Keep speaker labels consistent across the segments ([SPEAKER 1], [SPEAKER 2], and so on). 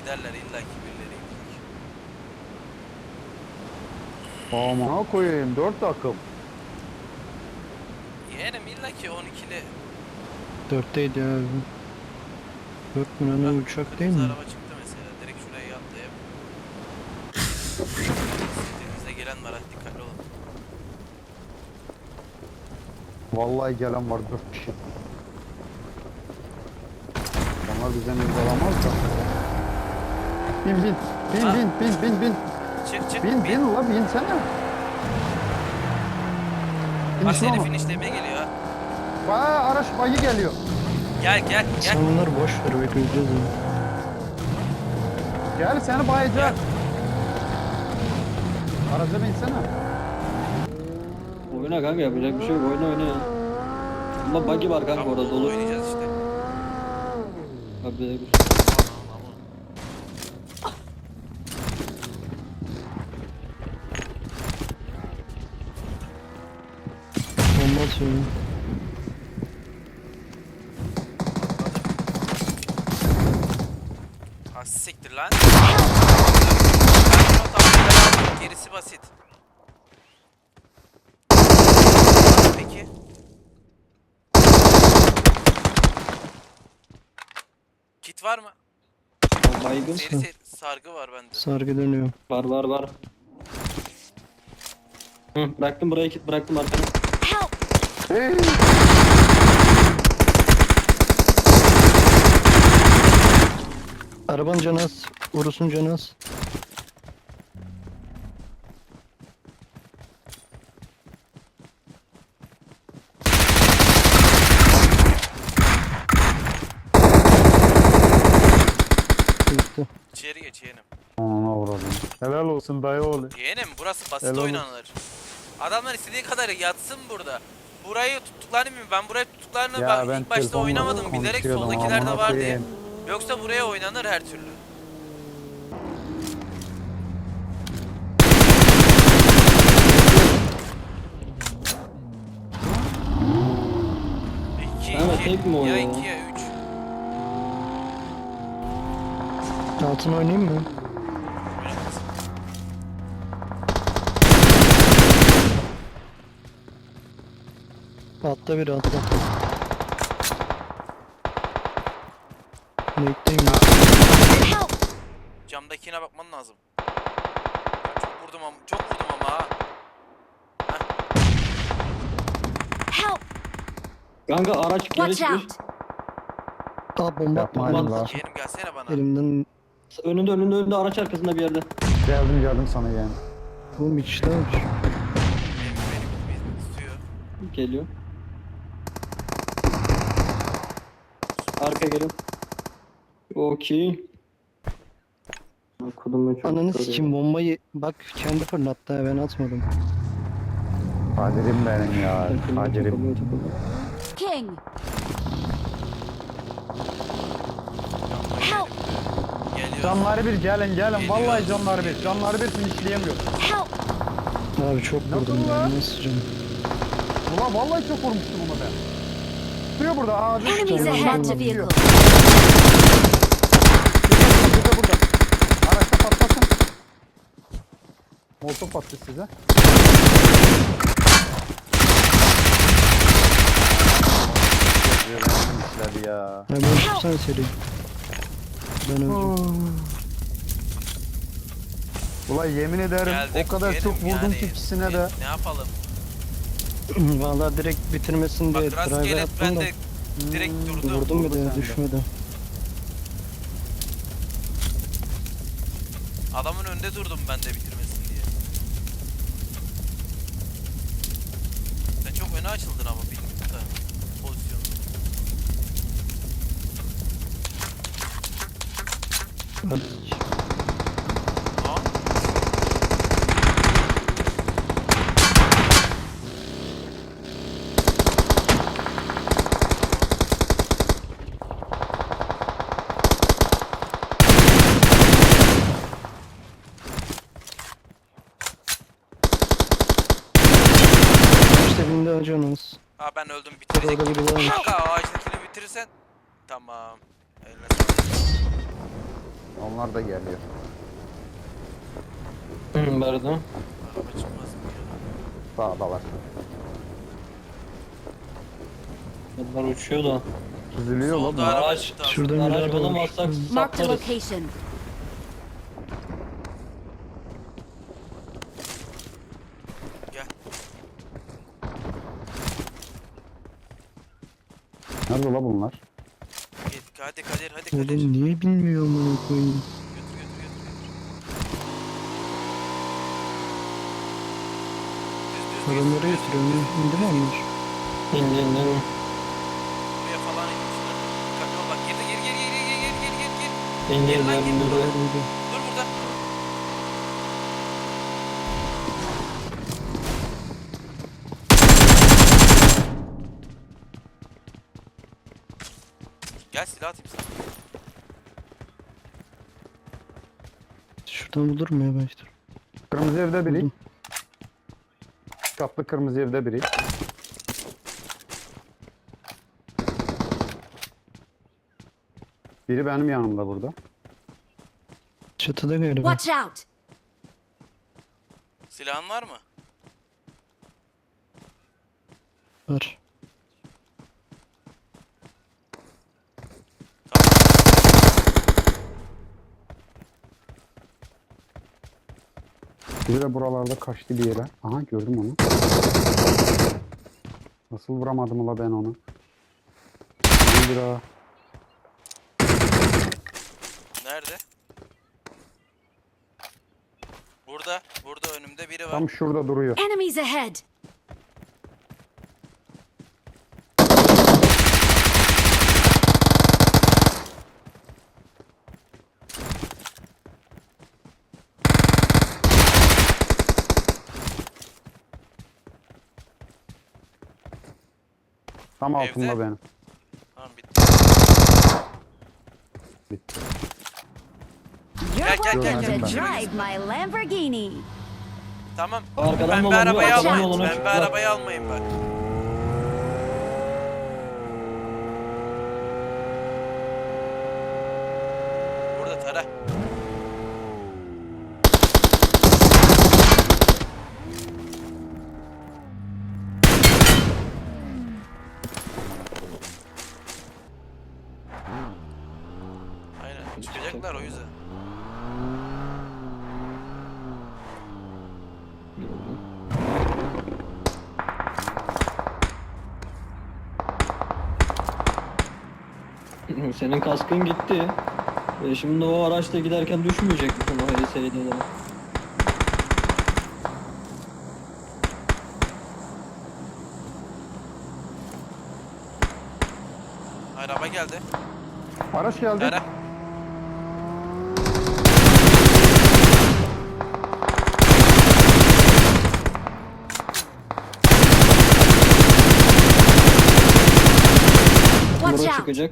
[SPEAKER 1] giderler illa ki birileri.
[SPEAKER 2] Amına koyayım 4 takım.
[SPEAKER 1] Yeğenim illa ki 12'li.
[SPEAKER 3] 4'teydi ya abi. 4 mü ne uçak değil
[SPEAKER 1] Kırmızı
[SPEAKER 3] mi?
[SPEAKER 1] araba çıktı mesela. Direkt şuraya atlayıp. Denizde gelen var, hadi dikkatli olun.
[SPEAKER 2] Vallahi gelen var 4 kişi. Onlar bize alamaz da. Bin bin. Bin
[SPEAKER 1] Ha.
[SPEAKER 2] bin.
[SPEAKER 1] Çık
[SPEAKER 2] Bin la binsene.
[SPEAKER 1] Bak
[SPEAKER 2] Finish
[SPEAKER 1] seni
[SPEAKER 2] ama.
[SPEAKER 1] finishlemeye geliyor ha.
[SPEAKER 2] Araç bayı geliyor.
[SPEAKER 1] Gel.
[SPEAKER 3] Sen onları boş ver bekleyeceğiz ya.
[SPEAKER 2] Gel seni bayacak. Araca binsene.
[SPEAKER 4] Oyna kanka, yapacak bir şey yok, oyna ya. Ama buggy var kanka,
[SPEAKER 1] Tamam,
[SPEAKER 4] orada dolu.
[SPEAKER 1] oynayacağız işte.
[SPEAKER 4] Abi bir şey.
[SPEAKER 3] Bomba atıyorum.
[SPEAKER 1] Ha siktir lan. Ben tamam, gerisi basit. Peki. Kit var mı?
[SPEAKER 4] Baygın.
[SPEAKER 1] Seri sargı var bende.
[SPEAKER 3] Sargı dönüyor.
[SPEAKER 4] Var. Hı, bıraktım buraya, kit bıraktım arkana.
[SPEAKER 2] Hey.
[SPEAKER 3] Arabanın canı az. Urus'un canı az. Bitti.
[SPEAKER 1] İçeri geç yeğenim.
[SPEAKER 2] Ana uğradım. Helal olsun dayı oğlu.
[SPEAKER 1] Yeğenim burası basit
[SPEAKER 2] Helal olsun.
[SPEAKER 1] oynanır. Adamlar istediği kadar yatsın burada. Burayı tuttuklarını bilmiyorum. Ben burayı tuttuklarını
[SPEAKER 2] Ya ben
[SPEAKER 1] ilk başta
[SPEAKER 2] telefonla
[SPEAKER 1] oynamadım. Bilerek
[SPEAKER 2] konuşuyordum,
[SPEAKER 1] soldakiler de
[SPEAKER 2] amına
[SPEAKER 1] var diye.
[SPEAKER 2] koyayım.
[SPEAKER 1] Yoksa buraya oynanır her türlü. İki,
[SPEAKER 4] Evet, tek mi o
[SPEAKER 1] ya
[SPEAKER 4] ya?
[SPEAKER 1] 2 ya 3.
[SPEAKER 3] Altın oynayayım mı? Altta biri altta. Nate'deyim ya.
[SPEAKER 1] Camdakine bakman lazım. Çok vurdum ama ha.
[SPEAKER 5] Help!
[SPEAKER 4] Kanka araç geri
[SPEAKER 5] Watch
[SPEAKER 4] çıkıyor.
[SPEAKER 5] out!
[SPEAKER 3] Aa bomba attım.
[SPEAKER 2] Yapma
[SPEAKER 3] Ulan,
[SPEAKER 2] Allah.
[SPEAKER 1] Yeğenim gelsene bana.
[SPEAKER 3] elimden
[SPEAKER 4] Önünde araç arkasında bir yerde.
[SPEAKER 2] Geldim sana yani.
[SPEAKER 3] bu içler.
[SPEAKER 1] Beni tutuyor.
[SPEAKER 4] Geliyor. Arka geliyor. Okey. Kodum çok
[SPEAKER 3] Ananı
[SPEAKER 4] soruyor.
[SPEAKER 3] sikim bombayı bak kendi fırlattı ha, ben atmadım.
[SPEAKER 2] Kadir'im benim ya. Kadir'im.
[SPEAKER 4] Takılıyor.
[SPEAKER 5] King! Help!
[SPEAKER 1] Geliyor.
[SPEAKER 2] Canları bir gelin.
[SPEAKER 1] Geliyor.
[SPEAKER 2] Vallahi canları bir. Canları bir finishleyemiyor.
[SPEAKER 5] Help!
[SPEAKER 3] Abi çok vurdum
[SPEAKER 2] lan?
[SPEAKER 3] ben nasıl canım.
[SPEAKER 2] Ulan vallahi çok vurmuştum onu ben. Tutuyor burada ağacı.
[SPEAKER 5] Enemies
[SPEAKER 3] Tamam,
[SPEAKER 5] ahead to
[SPEAKER 3] tamam.
[SPEAKER 5] vehicle.
[SPEAKER 2] Burada. Araçta patlasın. Molotov attı size. Ya.
[SPEAKER 3] Ya ben tutsana seri. Ben öldüm.
[SPEAKER 2] Ulan yemin ederim
[SPEAKER 1] Geldik,
[SPEAKER 2] o kadar
[SPEAKER 1] yeğenim,
[SPEAKER 2] çok vurdum
[SPEAKER 1] yani
[SPEAKER 2] ki ikisine de.
[SPEAKER 1] Ne yapalım?
[SPEAKER 3] Vallahi direkt bitirmesin diye
[SPEAKER 1] Bak
[SPEAKER 3] drive
[SPEAKER 1] rastgele
[SPEAKER 3] attım
[SPEAKER 1] ben
[SPEAKER 3] da
[SPEAKER 1] de direkt durdum.
[SPEAKER 3] vurdum bir
[SPEAKER 2] vurdu
[SPEAKER 3] de
[SPEAKER 2] sende.
[SPEAKER 3] düşmedi.
[SPEAKER 1] Adamın önünde durdum ben de bitirmesin diye. Sen çok öne açıldın ama bilmiyorum da pozisyonu. Aa,
[SPEAKER 3] İşte binde canımız.
[SPEAKER 1] aa ben öldüm
[SPEAKER 3] Orada
[SPEAKER 1] bitirecek.
[SPEAKER 3] biri varmış.
[SPEAKER 1] Kanka ağaçtakini bitirirsen tamam. Eline sağlık.
[SPEAKER 2] Onlar da geliyor.
[SPEAKER 4] Nerede?
[SPEAKER 1] Araba çıkmaz mı ya?
[SPEAKER 2] Sağdalar.
[SPEAKER 4] Bunlar uçuyor da.
[SPEAKER 2] Süzülüyor lan.
[SPEAKER 1] Solda araba
[SPEAKER 4] Araç
[SPEAKER 1] çıktı.
[SPEAKER 3] Şurada bir
[SPEAKER 4] Araç
[SPEAKER 3] araba var.
[SPEAKER 4] bulamazsak
[SPEAKER 5] Marked a
[SPEAKER 4] saplarız.
[SPEAKER 5] location.
[SPEAKER 1] Gel.
[SPEAKER 2] Nerede la bunlar?
[SPEAKER 1] Gel. Hadi Kadir, hadi Kadir.
[SPEAKER 3] Oğlum niye bilmiyorum bunu koyayım.
[SPEAKER 1] Götür götür götür götür. Düz düz düz.
[SPEAKER 3] Adamları
[SPEAKER 1] düz,
[SPEAKER 3] götürüyorum.
[SPEAKER 1] düz,
[SPEAKER 3] İndiriyor
[SPEAKER 1] düz.
[SPEAKER 3] musun?
[SPEAKER 4] İn.
[SPEAKER 1] Buraya falan inmişler. Dikkatli ol bak. Girdi gir gir gir gir gir gir gir gir.
[SPEAKER 4] İn
[SPEAKER 1] Gel lan, gel.
[SPEAKER 4] dur.
[SPEAKER 1] Dur burada. Gel silah atayım sana.
[SPEAKER 3] Şuradan bulur mu ya başta?
[SPEAKER 2] Kırmızı evde biri.
[SPEAKER 3] Buldum.
[SPEAKER 2] Katlı kırmızı evde biri. Biri benim yanımda burada.
[SPEAKER 3] Çatıda galiba.
[SPEAKER 5] Watch out!
[SPEAKER 1] Silahın var mı?
[SPEAKER 3] Var.
[SPEAKER 2] Biri de buralarda kaçtı bir yere. Aha gördüm onu. Nasıl vuramadım ula ben onu? Bir daha.
[SPEAKER 1] Nerede? Burada. Burada önümde biri var.
[SPEAKER 2] Tam şurada duruyor.
[SPEAKER 5] Enemies ahead!
[SPEAKER 2] Tam
[SPEAKER 1] Evde.
[SPEAKER 2] altında benim.
[SPEAKER 1] Tamam bitti.
[SPEAKER 2] Bitti.
[SPEAKER 5] You're
[SPEAKER 1] Gel, gel,
[SPEAKER 5] welcome
[SPEAKER 2] gel,
[SPEAKER 5] to
[SPEAKER 2] gel.
[SPEAKER 5] drive my Lamborghini.
[SPEAKER 1] Tamam.
[SPEAKER 4] Arkadan
[SPEAKER 1] Pembe
[SPEAKER 4] dolanıyor,
[SPEAKER 1] arabayı
[SPEAKER 4] arkadan
[SPEAKER 1] almayın.
[SPEAKER 4] dolanıyor
[SPEAKER 1] Pembe
[SPEAKER 4] çocuklar.
[SPEAKER 1] arabayı almayın bak. Burada tara. Aynen çıkacaklar o yüzden.
[SPEAKER 4] Senin kaskın gitti. Şimdi o araçta giderken düşmeyecek misin o HS'yle de?
[SPEAKER 1] Araba geldi.
[SPEAKER 2] Araç geldi.
[SPEAKER 1] Tara.
[SPEAKER 5] Watch
[SPEAKER 4] Buraya
[SPEAKER 5] out!
[SPEAKER 4] çıkacak.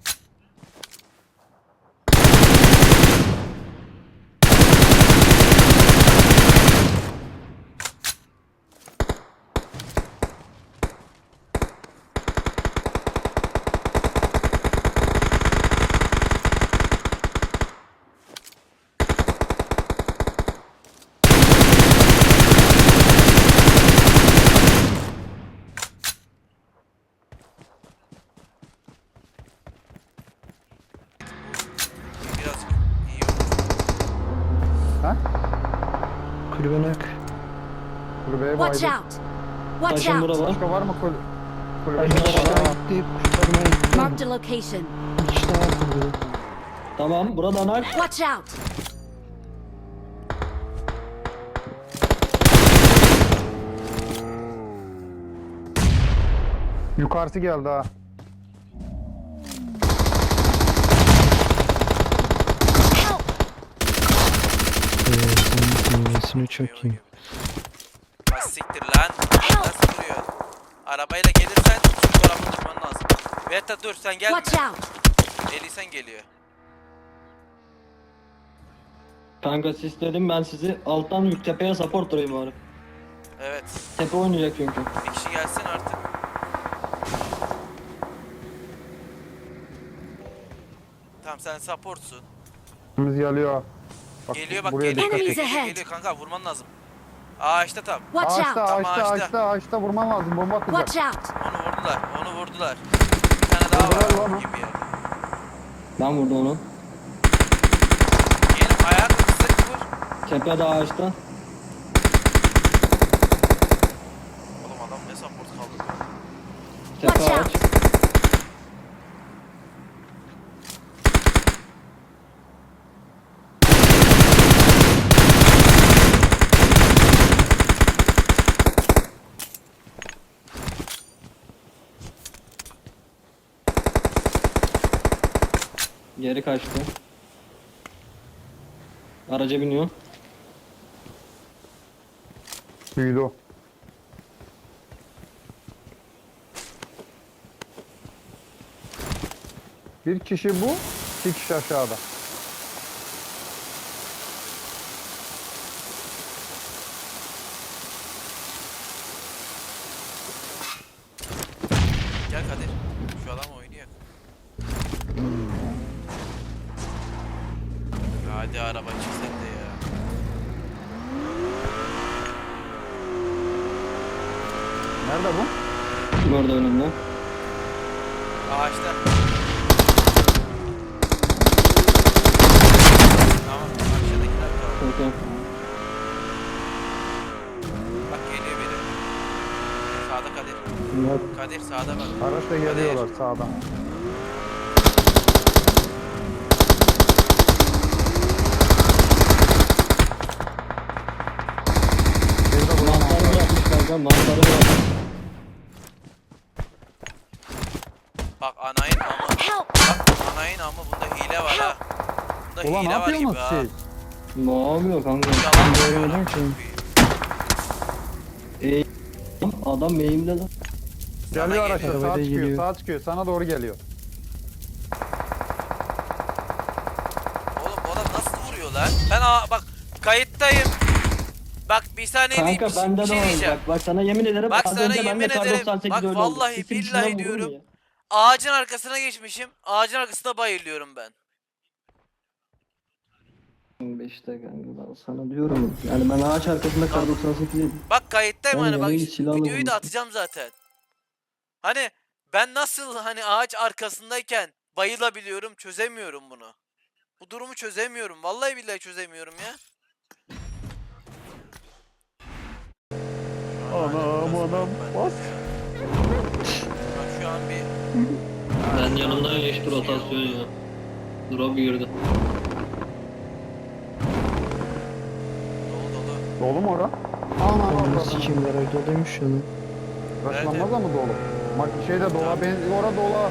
[SPEAKER 1] Biraz iyi oldu.
[SPEAKER 2] Ha?
[SPEAKER 3] Kulübe nak.
[SPEAKER 2] Kulübeye
[SPEAKER 5] Watch
[SPEAKER 2] baydı.
[SPEAKER 5] out! Watch
[SPEAKER 4] Taşın
[SPEAKER 5] out!
[SPEAKER 4] bura var.
[SPEAKER 2] Başka var mı kulübe?
[SPEAKER 3] Aşağı gitti. Kurtarmaya gitti.
[SPEAKER 5] Marked a location.
[SPEAKER 3] İşte var kulübede.
[SPEAKER 4] Tamam, buradan ak.
[SPEAKER 5] Watch out!
[SPEAKER 2] Yukarısı geldi ha.
[SPEAKER 5] Help!
[SPEAKER 3] Senin dünyasını çok iyi.
[SPEAKER 1] Ha siktir lan. Nasıl duruyor? Arabayla gelirsen şu tarafa tutman lazım. Veta dur sen gelme.
[SPEAKER 5] Watch out!
[SPEAKER 1] Elisen geliyor.
[SPEAKER 4] Kanka sisledim ben sizi. Alttan yük tepeye support durayım bari.
[SPEAKER 1] Evet.
[SPEAKER 4] Tepe oynayacak çünkü.
[SPEAKER 1] Bir kişi gelsin artık. Tamam sen supportsun.
[SPEAKER 2] Biz geliyor. Bak,
[SPEAKER 1] Geliyor bak
[SPEAKER 2] buraya
[SPEAKER 1] geliyor
[SPEAKER 2] dikkat
[SPEAKER 1] geliyor,
[SPEAKER 2] et.
[SPEAKER 5] Enemies ahead.
[SPEAKER 1] geliyor kanka vurman lazım. Ağaçta tam.
[SPEAKER 5] Watch
[SPEAKER 2] Ağaçta,
[SPEAKER 5] out!
[SPEAKER 1] Tamam,
[SPEAKER 2] ağaçta,
[SPEAKER 1] ağaçta.
[SPEAKER 2] ağaçta, ağaçta vurman lazım. Bomba atacak.
[SPEAKER 5] Watch out!
[SPEAKER 1] Onu vurdular. Onu vurdular. Bir tane daha
[SPEAKER 2] Vurdular
[SPEAKER 1] var
[SPEAKER 2] lan o.
[SPEAKER 1] gibi ya.
[SPEAKER 4] Ben vurdum onu.
[SPEAKER 1] Gelin ayak sık vur.
[SPEAKER 4] Tepede ağaçta.
[SPEAKER 1] Oğlum adam ne support kaldı.
[SPEAKER 4] Tepe
[SPEAKER 5] Watch
[SPEAKER 4] ağaç.
[SPEAKER 5] out!
[SPEAKER 4] Geri kaçtı. Araca biniyor.
[SPEAKER 2] Büyüdü o. Bir kişi bu, iki kişi aşağıda.
[SPEAKER 1] Gel Kadir. Şu adam oynuyor. Hadi araba çık sen de ya.
[SPEAKER 2] Nerede bu?
[SPEAKER 4] Orada önümde.
[SPEAKER 1] Ağaçta. Tamam aşağıdakiler kaldı.
[SPEAKER 4] Okey.
[SPEAKER 1] Bak geliyor biri. Sağda Kadir. Kadir sağda bak.
[SPEAKER 2] Araçla geliyorlar sağdan. Bir de buranın
[SPEAKER 4] Mantarı bırakmış kanka. Mantarı bırakmış.
[SPEAKER 1] Bak anayın amı.
[SPEAKER 5] Help!
[SPEAKER 1] Bak anayın amı bunda hile var ha. Bunda
[SPEAKER 2] Ulan ne
[SPEAKER 1] hile var gibi
[SPEAKER 2] yapıyorsunuz
[SPEAKER 1] ha.
[SPEAKER 2] siz?
[SPEAKER 4] Ne yapıyor kanka?
[SPEAKER 1] Yalan söylüyor
[SPEAKER 3] Görmedim
[SPEAKER 1] lan.
[SPEAKER 3] ki.
[SPEAKER 4] Adam eğimde lan.
[SPEAKER 1] Sana
[SPEAKER 2] Geliyor araçla
[SPEAKER 1] geliyor.
[SPEAKER 2] sağa
[SPEAKER 3] Arabada
[SPEAKER 2] çıkıyor,
[SPEAKER 3] geliyor.
[SPEAKER 2] sağa çıkıyor. Sana doğru geliyor.
[SPEAKER 1] Oğlum bu adam nasıl vuruyor lan? Bak kayıttayım. Bak bir saniye
[SPEAKER 4] Kanka
[SPEAKER 1] bir
[SPEAKER 4] bende de
[SPEAKER 1] şey
[SPEAKER 4] var.
[SPEAKER 1] diyeceğim.
[SPEAKER 4] Bak sana yemin ederim.
[SPEAKER 1] Bak
[SPEAKER 4] az
[SPEAKER 1] sana
[SPEAKER 4] önce
[SPEAKER 1] yemin
[SPEAKER 4] bende kar
[SPEAKER 1] ederim.
[SPEAKER 4] 98
[SPEAKER 1] Bak
[SPEAKER 4] öyle oldu.
[SPEAKER 1] vallahi
[SPEAKER 4] Sesin
[SPEAKER 1] billahi
[SPEAKER 4] içinden vurur mu
[SPEAKER 1] diyorum.
[SPEAKER 4] ya?
[SPEAKER 1] Ağacın arkasına geçmişim. Ağacın arkasında bayılıyorum ben.
[SPEAKER 4] İşte kanka ben sana diyorum. Yani ben ağaç arkasında kar 98 yedim.
[SPEAKER 1] Bak kayıttayım
[SPEAKER 4] Ben
[SPEAKER 1] hani bak
[SPEAKER 4] yemeği silahla
[SPEAKER 1] videoyu da
[SPEAKER 4] vurmuşum.
[SPEAKER 1] atacağım zaten. Hani ben nasıl hani ağaç arkasındayken bayılabiliyorum çözemiyorum bunu. Bu durumu çözemiyorum. Vallahi billahi çözemiyorum ya.
[SPEAKER 2] Anam bas.
[SPEAKER 1] Bak şu an bir
[SPEAKER 4] Ben yanımdan geçti rotasyon ya. Drop girdi.
[SPEAKER 1] dolu dolu.
[SPEAKER 2] Dolu mu ora? Aman
[SPEAKER 3] Ananı
[SPEAKER 2] Allah'ım.
[SPEAKER 3] sikeyim garaj doluymuş ya lan.
[SPEAKER 2] Raşlanmaz ama dolu. Bak şeyde dola, ora dola.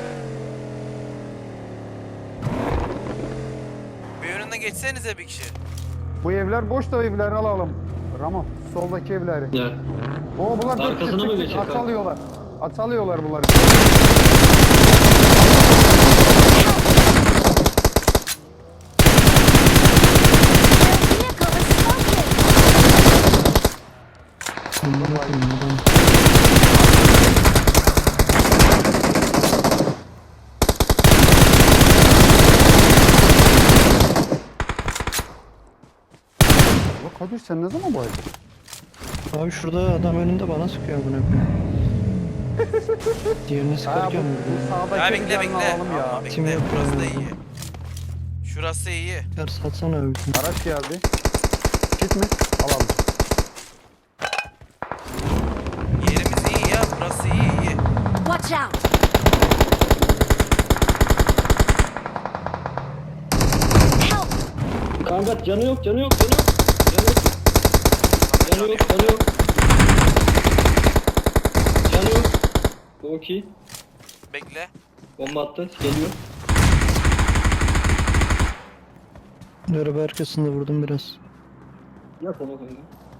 [SPEAKER 1] Bir önüne geçsenize bir kişi.
[SPEAKER 2] Bu evler boş da evleri alalım. Ramo, soldaki evleri.
[SPEAKER 4] Gel.
[SPEAKER 2] Oo bunlar dört
[SPEAKER 4] Arkasına
[SPEAKER 2] kişi
[SPEAKER 4] mı
[SPEAKER 2] çık,
[SPEAKER 4] geçecek
[SPEAKER 2] at
[SPEAKER 4] abi?
[SPEAKER 2] alıyorlar. At alıyorlar bunları.
[SPEAKER 5] Their vehicle is smoking!
[SPEAKER 3] Bundan bakayım buradan.
[SPEAKER 2] Ulan Kadir sen ne zaman bu evde?
[SPEAKER 3] Abi şurada adam önünde bana sıkıyor bunu. Diğerini
[SPEAKER 2] Ha bu,
[SPEAKER 3] sıkarken vurdum.
[SPEAKER 2] bu sağdaki
[SPEAKER 1] Ya
[SPEAKER 2] evlerini
[SPEAKER 1] bekle bekle.
[SPEAKER 2] alalım ya.
[SPEAKER 1] Ama
[SPEAKER 3] Kim
[SPEAKER 1] bekle.
[SPEAKER 3] yapıyor
[SPEAKER 1] Burası da
[SPEAKER 3] ya?
[SPEAKER 1] iyi. Şurası iyi.
[SPEAKER 3] Ver satsana abi.
[SPEAKER 2] Araç geldi. Git mi? Alalım.
[SPEAKER 1] Yerimiz iyi ya. Burası iyi iyi.
[SPEAKER 5] Watch out! Help!
[SPEAKER 4] Kanka canı yok, canı yok, canı yok. Canı yok. Canı yok, canı yok. Canı yok. Okey.
[SPEAKER 1] Bekle.
[SPEAKER 4] Bomba attı, geliyor.
[SPEAKER 3] Araba arkasında vurdum biraz.
[SPEAKER 4] Yap onu kanka.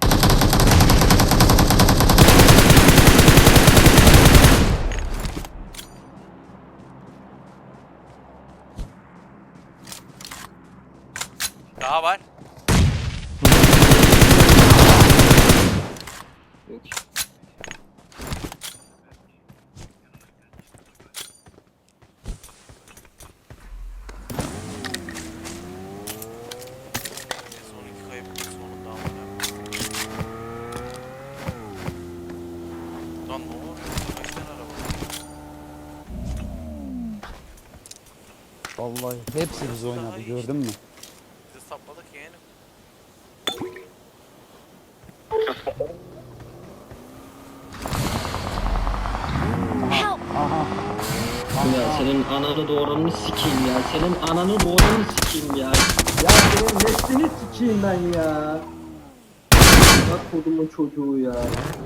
[SPEAKER 1] Daha var.
[SPEAKER 4] Okey.
[SPEAKER 2] Vallahi hepsi biz
[SPEAKER 1] Daha
[SPEAKER 2] oynadı
[SPEAKER 1] iyi
[SPEAKER 2] gördün mü?
[SPEAKER 1] Biz de sapladık yeğenim.
[SPEAKER 5] Help!
[SPEAKER 2] Aha.
[SPEAKER 4] Ya senin ananı doğuranını sikeyim ya. Senin ananı doğuranını sikeyim ya. Ya senin neslini sikeyim ben ya. Bak kodumun çocuğu ya.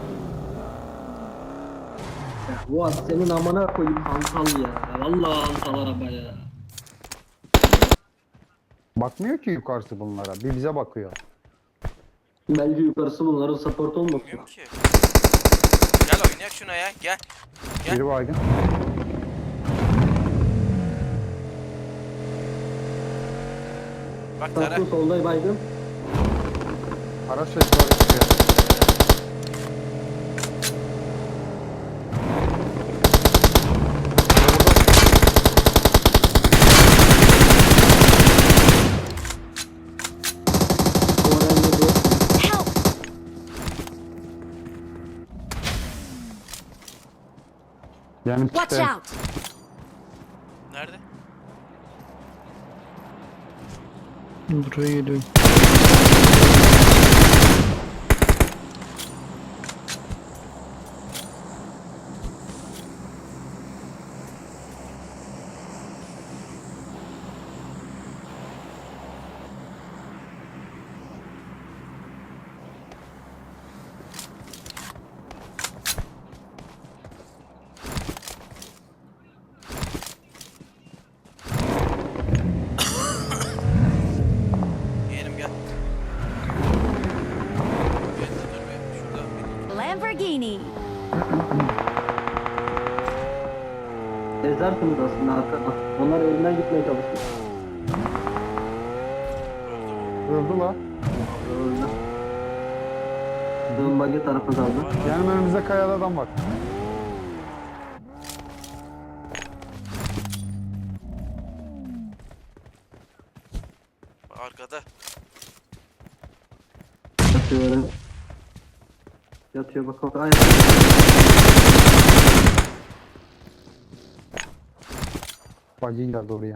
[SPEAKER 4] Ya Fuat senin amına koyayım hantal ya. Vallahi hantal araba ya.
[SPEAKER 2] Bakmıyor ki yukarısı bunlara. Bir bize bakıyor.
[SPEAKER 4] Belki yukarısı bunların support olmasın.
[SPEAKER 1] Bilmiyorum ki. Gel oynayak şuna ya. Gel. Gel.
[SPEAKER 2] Biri baygın.
[SPEAKER 1] Bak Tara.
[SPEAKER 4] Tatlı solda baydım.
[SPEAKER 2] Araç sesleri çıkıyor.
[SPEAKER 4] Oraya dur.
[SPEAKER 5] Help!
[SPEAKER 2] Yani
[SPEAKER 5] Watch
[SPEAKER 2] işte
[SPEAKER 5] out!
[SPEAKER 1] Nerede?
[SPEAKER 3] Buraya geliyorum.
[SPEAKER 1] Yeğenim gel. Evet, dur be. Şuradan bir.
[SPEAKER 5] Lamborghini!
[SPEAKER 4] Ezersiniz aslında arkadan. Onlar elinden gitmeye çalışıyor.
[SPEAKER 2] öldü la.
[SPEAKER 4] Öyle. Dön bagi tarafı kaldı.
[SPEAKER 2] Yani önümüzde kayada adam var.
[SPEAKER 1] Arkada.
[SPEAKER 4] Yatıyor öyle. Yatıyor bak bak. Ay.
[SPEAKER 2] Bagi geldi oraya.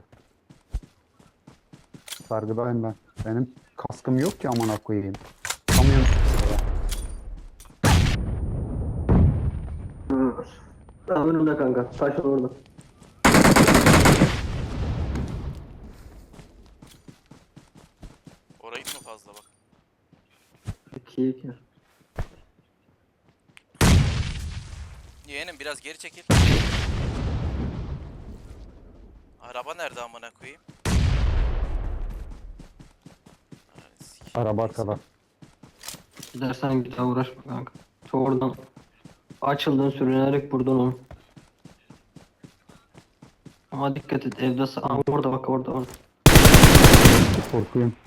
[SPEAKER 2] Sargıdayım ben. Benim kaskım yok ki amına koyayım. Kamyon.
[SPEAKER 4] Tamam önümde kanka. Taşın orada.
[SPEAKER 1] Orayı mı fazla bak.
[SPEAKER 4] 2-2.
[SPEAKER 1] Yeğenim biraz geri çekil. Araba nerede amına koyayım? Ananı sikeyim.
[SPEAKER 2] Araba arkada.
[SPEAKER 4] Gidersen git uğraşma kanka. Oradan açıldın sürünerek buradan onu. Ama dikkat et evde orada bak orada.
[SPEAKER 2] Korkuyorum.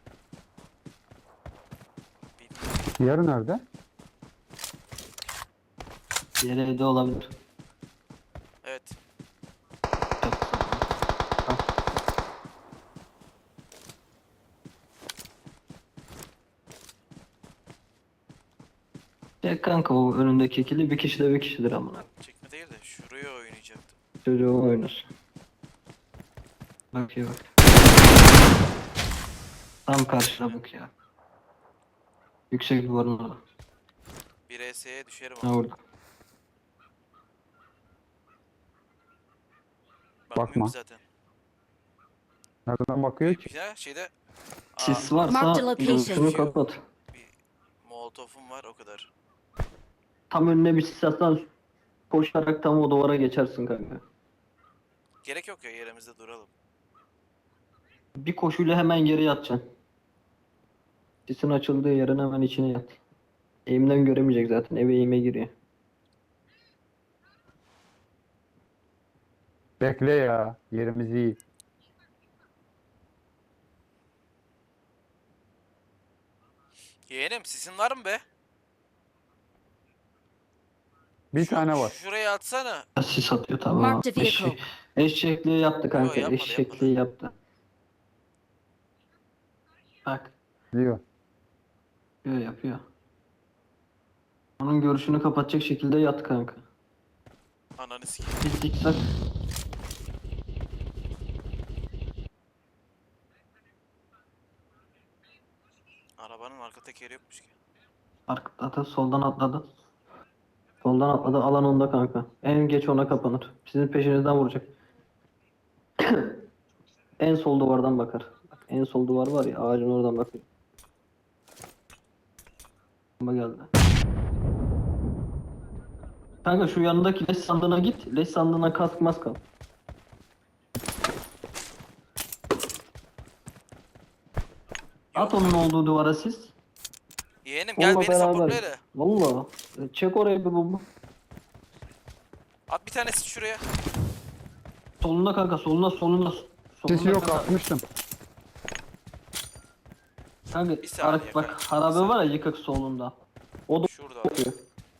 [SPEAKER 2] Diğeri nerede?
[SPEAKER 4] Diğeri evde olabilir.
[SPEAKER 1] Evet.
[SPEAKER 4] Ya kanka o önündeki ikili bir kişi de bir kişidir amına.
[SPEAKER 1] Çekme değil de şuraya oynayacaktım.
[SPEAKER 4] Çocuğu oynasın. Bak ya bak. Tam karşına bak ya. Yüksek duvarın orada.
[SPEAKER 1] Bir ES'ye düşerim
[SPEAKER 4] Ha
[SPEAKER 1] ama.
[SPEAKER 4] orada.
[SPEAKER 1] Bakmıyorum
[SPEAKER 2] Bakma.
[SPEAKER 1] ki zaten.
[SPEAKER 2] Nereden bakıyor ki?
[SPEAKER 1] Ya şeyde
[SPEAKER 4] Sis
[SPEAKER 5] Mark the
[SPEAKER 4] varsa
[SPEAKER 5] location.
[SPEAKER 4] şunu kapat.
[SPEAKER 1] bir molotofum var o kadar.
[SPEAKER 4] Tam önüne bir sis atsan koşarak tam o duvara geçersin kanka.
[SPEAKER 1] Gerek yok ya yerimizde duralım.
[SPEAKER 4] Bir koşuyla hemen geri yatacaksın. Sisin açıldığı yerin hemen içine yat. Eğimden göremeyecek zaten. Eve eğime giriyor.
[SPEAKER 2] Bekle ya. Yerimiz iyi.
[SPEAKER 1] Yeğenim sisin var mı be?
[SPEAKER 2] Bir tane var.
[SPEAKER 1] Şuraya atsana.
[SPEAKER 4] Sis atıyor tamam.
[SPEAKER 5] Mark the vehicle.
[SPEAKER 4] Eşekliği yaptı kanka.
[SPEAKER 1] Yo, yapmadı,
[SPEAKER 4] Eşekliği yaptı. Bak.
[SPEAKER 2] Diyor.
[SPEAKER 4] Yapıyor. Onun görüşünü kapatacak şekilde yat kanka.
[SPEAKER 1] Ananı sikeyim.
[SPEAKER 4] Bir zikzak.
[SPEAKER 1] Arabanın arka tekeri yokmuş ki.
[SPEAKER 4] Arkada soldan atladı. Soldan atladı. Alan onda kanka. En geç ona kapanır. Sizin peşinizden vuracak. En sol duvardan bakar. Bak, en sol duvar var ya, ağacın oradan bakıyor. Ama geldi. Kanka şu yanındaki leş sandığına git. Leş sandığına kask mask al. At onun olduğu duvara siz.
[SPEAKER 1] Yeğenim gel
[SPEAKER 4] Onunla
[SPEAKER 1] beni
[SPEAKER 4] beraber.
[SPEAKER 1] supportla hele.
[SPEAKER 4] Valla. Çek oraya bir bomba.
[SPEAKER 1] At bir tanesi şuraya.
[SPEAKER 4] Solunda kanka, solunda.
[SPEAKER 2] Sesi yok,
[SPEAKER 4] kanka.
[SPEAKER 2] atmıştım.
[SPEAKER 1] Bir saniye
[SPEAKER 4] Bak
[SPEAKER 1] kanka,
[SPEAKER 4] harabe
[SPEAKER 1] bir
[SPEAKER 4] var ya yıkık solunda. O da
[SPEAKER 1] Şurada.
[SPEAKER 4] bakıyor.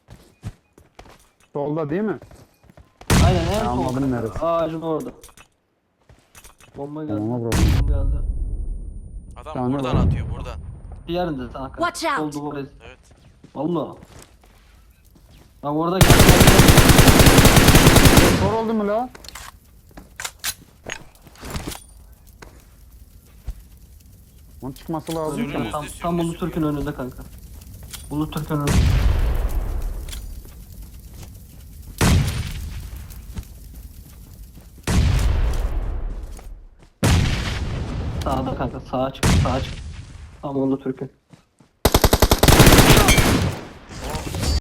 [SPEAKER 2] Solda değil mi?
[SPEAKER 4] Aynen en
[SPEAKER 2] Ben
[SPEAKER 4] sol.
[SPEAKER 2] anladım
[SPEAKER 4] kanka.
[SPEAKER 2] neresi.
[SPEAKER 4] Ağacın orada. Bomba geldi.
[SPEAKER 2] Bomba bro.
[SPEAKER 4] Bomba geldi.
[SPEAKER 1] Adam
[SPEAKER 2] Tane
[SPEAKER 1] buradan
[SPEAKER 2] var.
[SPEAKER 1] atıyor buradan.
[SPEAKER 4] Diğerinde sana kanka.
[SPEAKER 5] Watch
[SPEAKER 4] Sol
[SPEAKER 5] out.
[SPEAKER 4] duvara.
[SPEAKER 1] Evet.
[SPEAKER 4] Valla. Bak orada
[SPEAKER 2] Sor oldu mu la? Onun çıkması lazım.
[SPEAKER 1] Sürünüz.
[SPEAKER 4] tam Ulu Türk'ün önünde kanka. Ulu Türk'ün önünde. Sağda kanka, sağa çık. Tam Ulu Türk'ün.